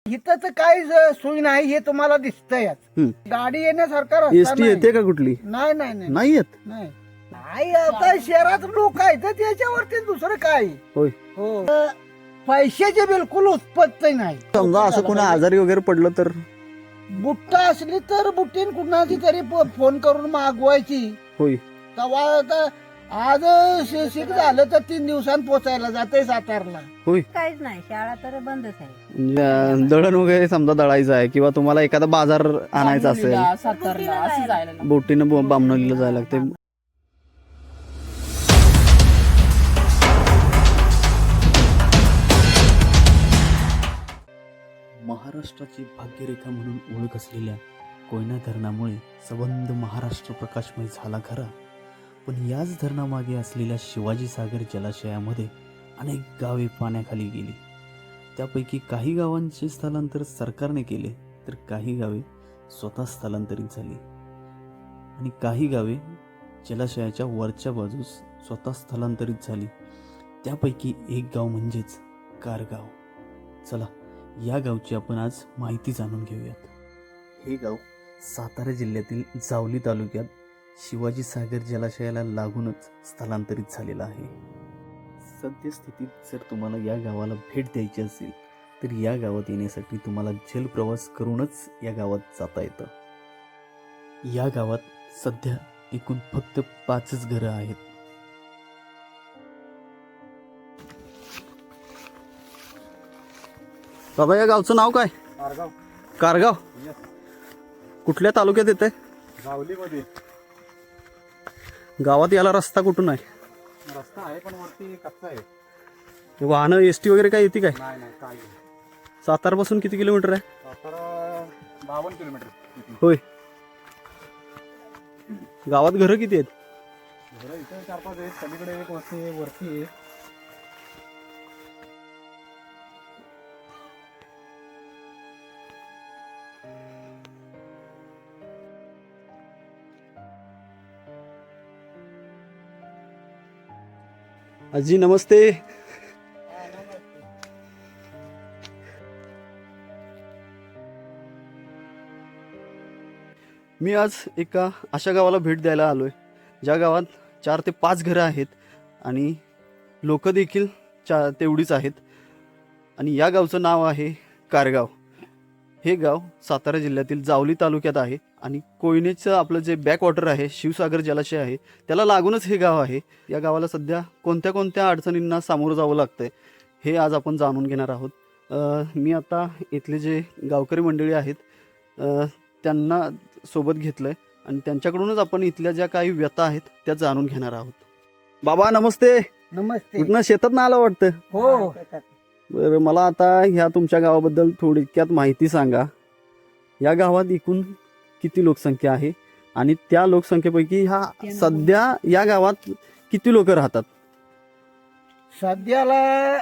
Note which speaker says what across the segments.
Speaker 1: इथं तर काही सोय नाही हे तुम्हाला दिसतंयच. गाडी येण्यासारखा रस्ता
Speaker 2: एसटी
Speaker 1: नाही.
Speaker 2: येते का कुठली?
Speaker 1: नाही नाही नाही
Speaker 2: नाही येत.
Speaker 1: नाही नाही, आता शहरात लोक आहेत तर त्याच्यावरती दुसरं काय.
Speaker 2: होय.
Speaker 1: हो, पैशाची बिलकुल उत्पत्ती नाही.
Speaker 2: समजा असं कोणी आजारी वगैरे पडलं तर
Speaker 1: बुट्टा असली तर बुट्टीन कुणाची तरी फोन करून मागवायची.
Speaker 2: होय.
Speaker 1: तेव्हा आता आज शिक झालं तर 3 दिवसांत पोचायला जाते सातारला.
Speaker 2: होय.
Speaker 3: काहीच नाही, शाळा तर बंदच आहे.
Speaker 2: म्हणजे दळण वगैरे समजा दळायचं आहे किंवा तुम्हाला एखादा बाजार आणायचा असेल,
Speaker 3: सातारला असं जायला
Speaker 2: बोटीनं बामणोलीला जायला लागते. महाराष्ट्राची भाग्यरेखा म्हणून ओळख असलेल्या कोयना धरणामुळे संबंध महाराष्ट्र प्रकाशमय झाला खरा, पण याच धरणामागे असलेल्या शिवाजी सागर जलाशयामध्ये अनेक गावे पाण्याखाली गेली. त्यापैकी काही गावांचे स्थलांतर सरकारने केले तर काही गावे स्वतः स्थलांतरित झाली आणि काही गावे जलाशयाच्या वरच्या बाजूस स्वतः स्थलांतरित झाली. त्यापैकी एक गाव म्हणजेच कारगाव. चला या गावची आपण आज माहिती जाणून घेऊयात. हे गाव सातारा जिल्ह्यातील जावली तालुक्यात शिवाजी सागर जलाशयाला लागूनच स्थलांतरित झालेलं आहे. सद्यस्थितीत जर तुम्हाला या गावाला भेट द्यायची असेल तर या गावात येण्यासाठी तुम्हाला जलप्रवास करूनच या गावात जाता येतं. या गावात सध्या एकूण फक्त 5च घरं आहेत. बाबा, या गावचं नाव काय?
Speaker 4: कारगाव.
Speaker 2: कारगाव कुठल्या तालुक्यात येते?
Speaker 4: जावलीमध्ये.
Speaker 2: गावात याला रस्ता कुठून आहे?
Speaker 4: रस्ता आहे पण वरती कच्चा आहे.
Speaker 2: वाहनं एसटी वगैरे काय येते काय?
Speaker 4: नाही नाही काय
Speaker 2: सातारपासून किती किलोमीटर आहे?
Speaker 4: सातारा 52 किलोमीटर.
Speaker 2: होय. गावात घरं किती आहेत?
Speaker 4: घरं इथे 4-5 आहेत. सगळीकडे एक वस्ती आहे, वरती आहे.
Speaker 2: आजी नमस्ते. मी आज एका अशा गावाला भेट द्यायला आलोय ज्या गावात 4 ते 5 घरं आहेत आणि लोक देखील तेवढीच आहेत. आणि या गावचं नाव आहे कारगाव. हे गाव सातारा जिल्ह्यातील जावली तालुक्यात आहे आणि कोयनेचं आपलं जे बॅकवॉटर आहे, शिवसागर जलाशय आहे, त्याला लागूनच हे गाव आहे. या गावाला सध्या कोणत्या कोणत्या अडचणींना सामोरं जावं लागतंय हे आज आपण जाणून घेणार आहोत. मी आता इथले जे गावकरी मंडळी आहेत त्यांना सोबत घेतलंय आणि त्यांच्याकडूनच आपण इथल्या ज्या काही व्यथा आहेत त्या जाणून घेणार आहोत. बाबा नमस्ते.
Speaker 1: नमस्ते.
Speaker 2: कुठनं शेतात ना आलं वाटतं?
Speaker 1: हो,
Speaker 2: बरं, मला आता ह्या तुमच्या गावाबद्दल थोडक्यात माहिती सांगा. या गावात एकूण किती लोकसंख्या आहे आणि त्या लोकसंख्येपैकी ह्या सध्या या गावात किती लोक राहतात?
Speaker 1: सध्याला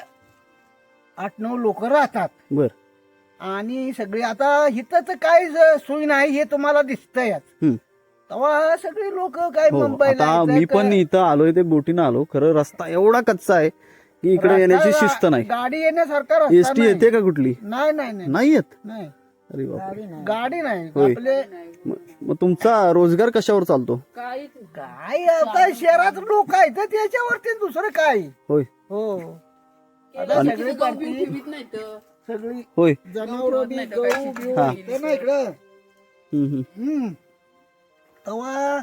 Speaker 1: 8-9 लोक राहतात.
Speaker 2: बर.
Speaker 1: आणि सगळे आता इथं तर काही सोय नाही हे तुम्हाला दिसतंयच. तेव्हा सगळे लोक काय
Speaker 2: हो,
Speaker 1: मुंबईला
Speaker 2: आता मी पण इथं आलोय, ते बोटीनं आलो. खरं रस्ता एवढा कच्चा आहे की इकडे येण्याची शिस्त नाही.
Speaker 1: गाडी येण्यासारखा रस्ता
Speaker 2: एसटी
Speaker 1: नाही.
Speaker 2: येते का कुठली?
Speaker 1: नाही नाही नाही
Speaker 2: नाही येत.
Speaker 1: नाही,
Speaker 2: अरे बापरे.
Speaker 1: गाडी नाही.
Speaker 2: होय.
Speaker 1: आपले
Speaker 2: मग तुमचा रोजगार कशावर चालतो?
Speaker 1: काय आता शहरात लोक आहेत तर त्याच्यावरती दुसरं काय.
Speaker 2: होय.
Speaker 1: हो, आता सगळी पार्टी सगळी
Speaker 2: होय.
Speaker 1: जनावर बी गहू बिहू
Speaker 2: हा.
Speaker 1: ते ना इकडं.
Speaker 2: हम्म.
Speaker 1: तेव्हा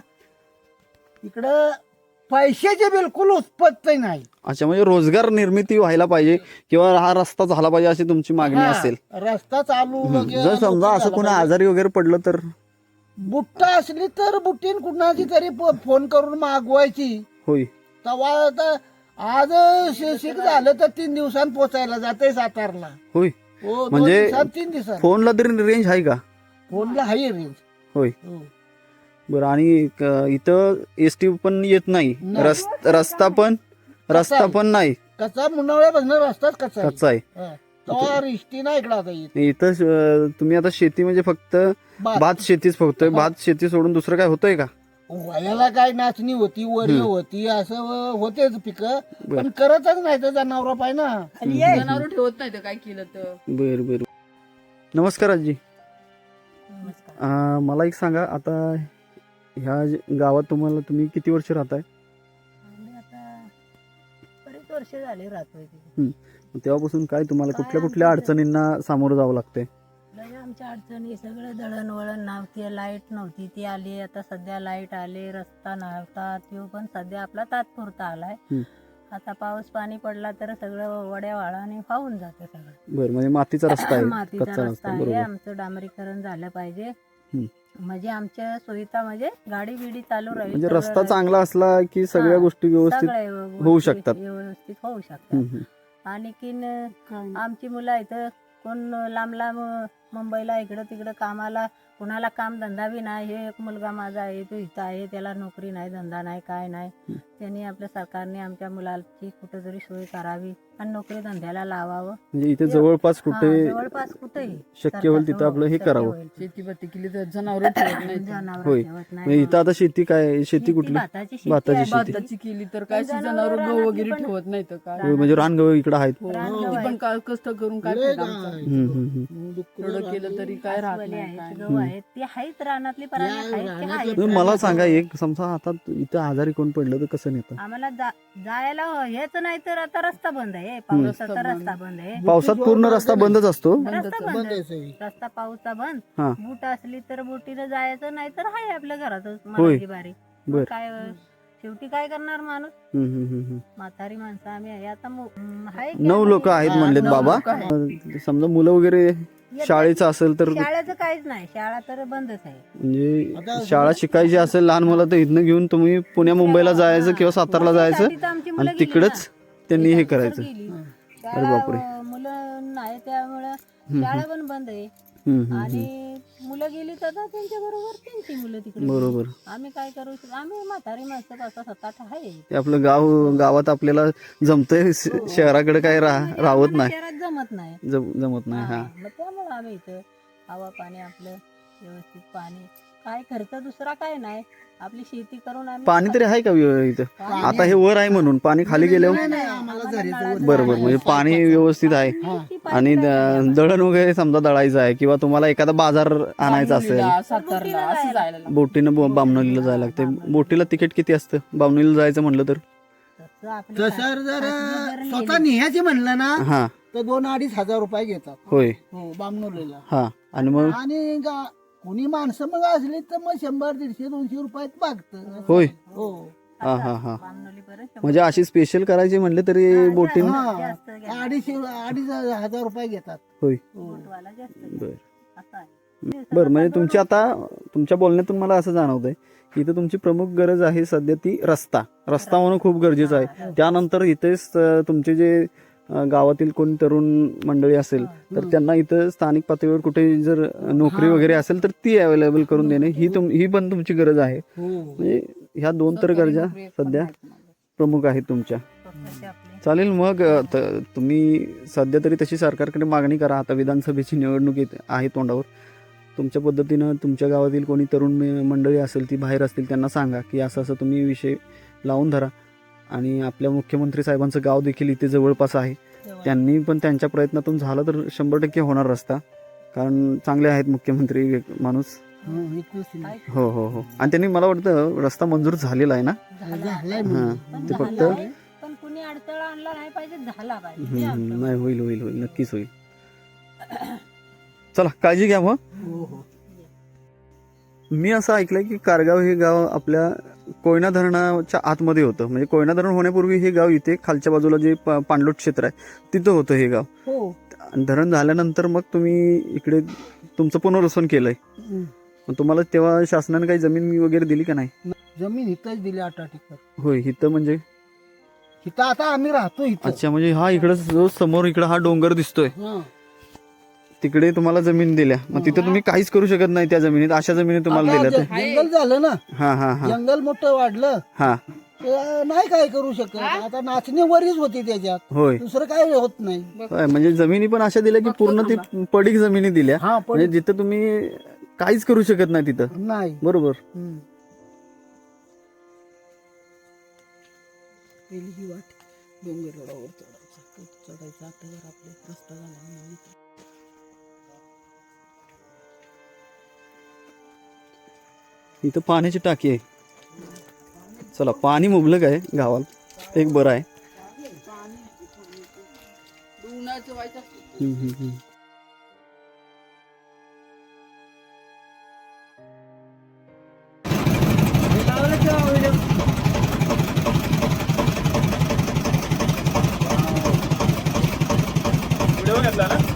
Speaker 1: इकडं पैशाची बिलकुल उत्पत्ती नाही.
Speaker 2: अच्छा, म्हणजे रोजगार निर्मिती व्हायला पाहिजे किंवा हा रस्ता झाला पाहिजे अशी तुमची मागणी
Speaker 1: हा,
Speaker 2: असेल.
Speaker 1: रस्ता चालू वगैरे
Speaker 2: जर समजा
Speaker 1: झाला
Speaker 2: असं कोणी
Speaker 1: पाहिजे.
Speaker 2: आजारी वगैरे पडलं तर?
Speaker 1: बुट्टा असली तर बुट्टीन कुणाची तरी फोन करून मागवायची.
Speaker 2: होय.
Speaker 1: तेव्हा आता आज शिक झालं तर 3 दिवसांत पोचायला जाते सातारला.
Speaker 2: होय.
Speaker 1: हो, 2
Speaker 2: म्हणजे
Speaker 1: दिवसांत 3 दिवसांत.
Speaker 2: फोनला तरी रेंज आहे का?
Speaker 1: फोनला हाय रेंज.
Speaker 2: होय.
Speaker 1: हो.
Speaker 2: बरं. आणि इथं एसटी पण येत नाही.
Speaker 1: नाही.
Speaker 2: रस्ता पण नाही.
Speaker 1: कसा मुन्नावळ्यापासून रस्ताच कसा
Speaker 2: कच्चा आहे.
Speaker 1: तेव्हा रिष्टी नाही इकडं आता येत.
Speaker 2: इथं तुम्ही आता शेती म्हणजे फक्त भात शेतीच फक्त भात शेती सोडून दुसरं काय होतंय का?
Speaker 1: वयाला काय नाचणी होती, वरी होती, असं होतेच पिकं, पण करतच नाही तर जनावर पाहिजे ना.
Speaker 3: जनावर ठेवत नाही तर काय केलं तर.
Speaker 2: बर बर. नमस्कार आजी.
Speaker 3: नमस्कार.
Speaker 2: मला एक सांगा, आता ह्या गावात तुम्ही किती वर्ष राहताय?
Speaker 3: आम्ही आता बरेच वर्ष झाले राहतोय तिथे.
Speaker 2: तेव्हापासून काय तुम्हाला
Speaker 3: काय
Speaker 2: कुठल्या कुठल्या
Speaker 3: आमचं-
Speaker 2: अडचणींना सामोरं जावं लागतंय?
Speaker 3: लय आमच्या अडचणी सगळं दळणवळण नव्हती, लाईट नव्हती, ती आली. आता सध्या लाईट आले, रस्ता नव्हता, तो पण सध्या आपला तात्पुरता आलाय. आता पाऊस पाणी पडला तर सगळं वड्या वाळाने वाहून जाते सगळं.
Speaker 2: बरं, म्हणजे मातीचा रस्ता आहे,
Speaker 3: मातीचा
Speaker 2: कच्चा
Speaker 3: रस्ता
Speaker 2: रस्ता,
Speaker 3: आहे.
Speaker 2: बरोबर.
Speaker 3: आमचं डांबरीकरण झालं पाहिजे.
Speaker 2: हम्म.
Speaker 3: म्हणजे आमच्या सुविधा म्हणजे गाडी बिडी चालू राहील.
Speaker 2: म्हणजे
Speaker 3: सगळं
Speaker 2: रस्ता
Speaker 3: राहील.
Speaker 2: चांगला असला की सगळ्या
Speaker 3: हा,
Speaker 2: गोष्टी व्यवस्थित
Speaker 3: सगळ्या
Speaker 2: होऊ
Speaker 3: गोष्टी
Speaker 2: शकतात.
Speaker 3: व्यवस्थित होऊ शकतात.
Speaker 2: हम्म.
Speaker 3: आणखीन आमची मुलं इथं कोण लांब लांब मुंबईला इकडं तिकडं कामाला, कुणाला काम धंदा बी नाही. हे एक मुलगा माझा आहे, तो इथं आहे, त्याला नोकरी नाही, धंदा नाही, काय नाही. त्यांनी आपल्या सरकारने आमच्या मुलाची कुठेतरी सोय करावी आणि नोकरी धंद्याला लावावं.
Speaker 2: म्हणजे इथे जवळपास
Speaker 3: हा,
Speaker 2: कुठे
Speaker 3: जवळपास कुठेही
Speaker 2: शक्य होईल तिथं आपलं हे करावं.
Speaker 5: शेती बत्ती केली तर जनावर ठेवत नाही.
Speaker 3: जनावर
Speaker 2: होय.
Speaker 3: ठेवत
Speaker 2: म्हणजे
Speaker 3: नाही.
Speaker 2: इथं आता शेती काय, शेती कुठली?
Speaker 3: भाताची शेती
Speaker 2: भाताची
Speaker 3: आहे.
Speaker 2: शेती.
Speaker 5: भाताची केली तर काय
Speaker 3: जनावरं
Speaker 5: जनावर गहू
Speaker 3: रानातली
Speaker 5: वगैरे
Speaker 3: पण-
Speaker 5: ठेवत नाही तर काय.
Speaker 2: होय, म्हणजे रानगव इकडं आहेत.
Speaker 5: हो,
Speaker 3: रानगहू
Speaker 5: ती
Speaker 3: आहे.
Speaker 5: पण काय कष्ट करून काय
Speaker 1: लय
Speaker 5: फायदा आमचा?
Speaker 1: गाय.
Speaker 5: एवढं केलं तरी काय राहत
Speaker 3: अस्वली
Speaker 5: नाही
Speaker 3: आहेत,
Speaker 5: काय
Speaker 3: गहू आहेत, ते आहेत रानातली पराठी आहेत, ते आहेत.
Speaker 2: तर मला सांगा, एक समजा आता इथं आजारी कोण पडलं तर कसं नेतं?
Speaker 3: आम्हाला जायला हेच नाही तर आता रस्ता बंद आहे. पावसाचा रस्ता बंद आहे.
Speaker 2: पावसात पूर्ण रस्ता बंदच असतो.
Speaker 3: रस्ता बंद
Speaker 1: बंद
Speaker 3: आहे.
Speaker 1: आहे सगळी.
Speaker 3: रस्ता पाऊसचा बंद.
Speaker 2: हा.
Speaker 3: बूट असली तर बोटीनं जायचं, नाही तर हाय आपल्या घरातच
Speaker 2: होय.
Speaker 3: मारायची बारी. मग
Speaker 2: बर.
Speaker 3: काय शेवटी काय करणार माणूस? म्हातारी माणसं आम्ही आहे. आता हाय की
Speaker 2: 9
Speaker 3: आम्ही-
Speaker 2: लोक आहेत म्हणलेत
Speaker 5: नऊ
Speaker 2: बाबा.
Speaker 5: लोकं
Speaker 2: समजा मुलं वगैरे
Speaker 3: येतात.
Speaker 2: शाळेचं असेल तर,
Speaker 3: शाळेचं काहीच नाही, शाळा तर बंदच आहे.
Speaker 2: म्हणजे
Speaker 1: आता
Speaker 2: शाळा शिकायची असेल लहान मुलं तर इथनं घेऊन तुम्ही पुण्या मुंबईला जायचं किंवा सातारला जायचं
Speaker 3: त्यासाठी तर आमची मुलं
Speaker 2: आणि
Speaker 3: गेली
Speaker 2: तिकडच
Speaker 3: ना.
Speaker 2: त्यांनी हे
Speaker 3: तिथं
Speaker 2: करायचं.
Speaker 3: गेली.
Speaker 2: अरे बापरे.
Speaker 3: शाळा, मुलं नाही त्यामुळं शाळा पण बंद आहे. आणि मुलं गेली तर आता त्यांच्या बरोबर त्यांची मुलं तिकडे गेली.
Speaker 2: बरोबर.
Speaker 3: आम्ही काय करू शकतो? आम्ही म्हातारी माणसं 5-7-8 आहे.
Speaker 2: ते आपलं गावात आपल्याला जमतंय, शहराकडे काय
Speaker 3: म्हणजे
Speaker 2: राहत
Speaker 3: आम्हाला
Speaker 2: नाही,
Speaker 3: शहरात जमत नाही.
Speaker 2: जमत नाही. हा,
Speaker 3: मग त्यामुळं आम्ही इथं हवा पाणी आपलं व्यवस्थित, पाणी काय खर्च दुसरा काय नाही, आपली शेती करून आम्ही
Speaker 2: पाणी तरी आहे का इथं?
Speaker 3: पाणी
Speaker 2: आता हे वर आहे म्हणून पाणी खाली गेल्यावर
Speaker 1: नाही, आम्हाला झरीचं
Speaker 3: नळाचं
Speaker 2: बरोबर, म्हणजे पाणी व्यवस्थित आहे.
Speaker 3: किती पाणी
Speaker 2: आणि
Speaker 3: लागतं?
Speaker 2: दळण वगैरे समजा दळायचं आहे किंवा तुम्हाला एखादा बाजार आणायचा असेल,
Speaker 5: बामणुलीला, सातारला असं जायला लागतं.
Speaker 2: बोटीनं बामणोलीला जायला लागते. बोटीला तिकीट किती असतं बामणोलीला जायचं म्हटलं तर?
Speaker 3: तसं आपलं
Speaker 1: तसं जर
Speaker 3: खासगी
Speaker 1: स्वतः निघायचे म्हणलं ना
Speaker 2: हा,
Speaker 1: तर 2-2.5 हजार रुपये घेतात.
Speaker 2: होय.
Speaker 1: हो, बामनोलीला.
Speaker 2: हा, आणि मग
Speaker 1: आणि कोणी माणसं मग असली तर मग 100-150-200 रुपयात मागतं.
Speaker 2: होय.
Speaker 1: हो.
Speaker 2: हा हा हा,
Speaker 3: बामणोलीपर्यंत
Speaker 2: म्हणजे अशी स्पेशल करायची म्हणले तरी बोटीन.
Speaker 1: हा,
Speaker 3: जास्त घ्या.
Speaker 1: 2.5 हजार रुपये घेतात.
Speaker 2: होय.
Speaker 3: बोटवाला जास्त घ्या.
Speaker 2: बर
Speaker 3: असं आहे.
Speaker 2: बर, म्हणजे तुमची आता तुमच्या बोलण्यातून मला असं जाणवतंय की इथं तुमची प्रमुख गरज आहे सध्या ती रस्ता होणं खूप गरजेचं आहे. त्यानंतर इथेच तुमचे जे गावातील कोणी तरुण मंडळी असेल तर त्यांना इथं स्थानिक पातळीवर कुठे जर नोकरी वगैरे असेल तर ती अवेलेबल करून देणे ही पण तुमची गरज आहे.
Speaker 1: हो.
Speaker 2: म्हणजे ह्या 2 तर गरजा सध्या प्रमुख आहेत तुमच्या.
Speaker 3: स्वतःचे आपले
Speaker 2: चालेल, मग तुम्ही सध्या तरी तशी सरकारकडे मागणी करा. आता विधानसभेची निवडणूक आहे तोंडावर. तुमच्या पद्धतीनं तुमच्या गावातील कोणी तरुण मंडळी असेल, ती बाहेर असतील, त्यांना सांगा की असं असं तुम्ही विषय लावून धरा. आणि आपल्या मुख्यमंत्री साहेबांचं गाव देखील इथे जवळपास आहे. त्यांनी पण त्यांच्या प्रयत्नातून झालं तर 100% होणार रस्ता, कारण चांगले आहेत मुख्यमंत्री माणूस.
Speaker 1: हो, इतकंच नाही.
Speaker 2: हो हो हो, आणि त्यांनी मला वाटतं रस्ता मंजूर झालेला आहे ना.
Speaker 1: झालंय
Speaker 2: हा,
Speaker 1: म्हणजे.
Speaker 3: पण
Speaker 2: ते फक्त
Speaker 3: झालाय, पण कुणी अडथळा आणला नाही पाहिजे, झाला पाहिजे ते आमचं.
Speaker 2: नाही, होईल होईल होईल, नक्कीच होईल. चला, काळजी घ्या मग.
Speaker 1: हो हो.
Speaker 2: मी असं ऐकलंय की कारगाव हे गाव आपल्या कोयना धरणाच्या आतमध्ये होतं. म्हणजे कोयना धरण होण्यापूर्वी हे गाव इथे खालच्या बाजूला जे पाणलोट क्षेत्र आहे तिथं होतं हे गाव.
Speaker 1: हो.
Speaker 2: आणि धरण झाल्यानंतर मग तुम्ही इकडे तुमचं पुनर्वसन केलंय. मग तुम्हाला तेव्हा शासनाने काही जमीन वगैरे दिली का नाही?
Speaker 1: जमीन इथंच दिली 8 एकर.
Speaker 2: होय, इथं म्हणजे
Speaker 1: इथं आता आम्ही राहतो इथं.
Speaker 2: अच्छा, म्हणजे हा इकडं जो समोर इकडं हा डोंगर दिसतोय
Speaker 1: हा.
Speaker 2: तिकडे तुम्हाला जमीन दिल्या. मग तिथे तुम्ही काहीच करू शकत नाही त्या जमिनीत, अशा जमिनीत तुम्हाला
Speaker 1: आता
Speaker 2: दिल्या.
Speaker 1: जंगल झालं ना,
Speaker 2: हा हा हा
Speaker 1: जंगल मोठं वाढलं
Speaker 2: हा,
Speaker 1: तर नाही काय करू शकत. आता नाचणी वरीच होती त्याच्यात,
Speaker 2: होय.
Speaker 1: दुसरं काय होत नाही.
Speaker 2: होय, म्हणजे जमिनी पण अशा दिल्या की पूर्ण ती पडीक जमिनी दिल्या.
Speaker 1: हा, पण
Speaker 2: म्हणजे जिथं तुम्ही काहीच करू शकत नाही तिथं.
Speaker 1: नाही.
Speaker 2: बरोबर.
Speaker 1: हम्म. पहिली ही वाट डोंगरावर चढायचा, चढायचा. आता जर आपले रस्ता झाला
Speaker 2: इथं पाण्याची टाकी आहे. चला, पाणी मुबलक आहे गावाला, एक बरं आहे.
Speaker 5: उन्हाळ्याचं व्हायचं
Speaker 4: व्हिडिओ घेतला ना